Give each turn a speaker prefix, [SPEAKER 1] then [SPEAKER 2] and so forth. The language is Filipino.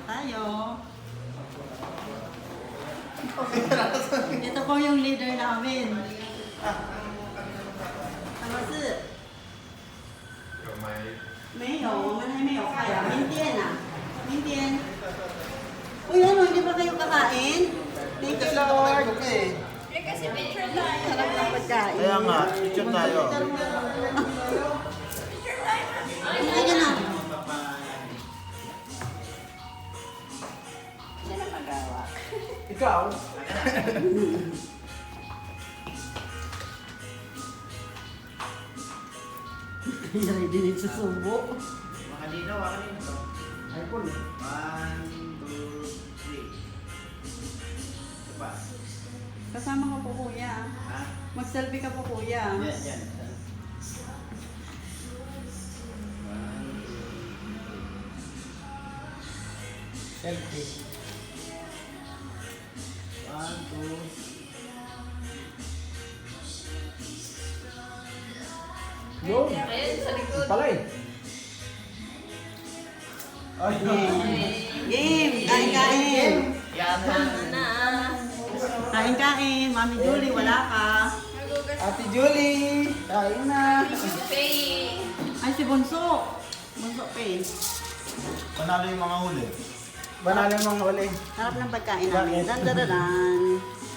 [SPEAKER 1] tayo. Ito po yung leader namin. Tama si?
[SPEAKER 2] 有吗？
[SPEAKER 1] 没有，我们还没有开啊。明天啊，明天。Uy, ano, hindi ba kayo kakain? Thank you, Lord.
[SPEAKER 3] Eh, kasi picture tayo.
[SPEAKER 1] Sarap ng pagkain.
[SPEAKER 4] Kaya nga, picture tayo.
[SPEAKER 3] Picture tayo.
[SPEAKER 1] Ay, ka na.
[SPEAKER 3] Siya na magawa.
[SPEAKER 4] Ikaw?
[SPEAKER 1] Ready din sa subo.
[SPEAKER 4] Makalinaw, makalinaw to. iPhone eh. 1, 2, 3. Ito pa.
[SPEAKER 1] Kasama ka po, kuya.
[SPEAKER 4] Ha?
[SPEAKER 1] Mag-selfie ka po, kuya.
[SPEAKER 4] Yan, yan. 1, 2, 3. Selfie. 1, 2. Yo!
[SPEAKER 3] Ayun, sa likod.
[SPEAKER 4] Pala eh. Ay,
[SPEAKER 1] Game! Kain-kain!
[SPEAKER 4] yan
[SPEAKER 3] Na.
[SPEAKER 1] Kain-kain! Mami Julie, wala ka.
[SPEAKER 3] Magugas.
[SPEAKER 4] Ate Julie! Kain na!
[SPEAKER 3] Pay.
[SPEAKER 1] Ay, si Bunso. Bunso pa eh.
[SPEAKER 4] Panalo yung mga huli. Panalo yung mga huli.
[SPEAKER 1] Sarap ng pagkain namin. Dan.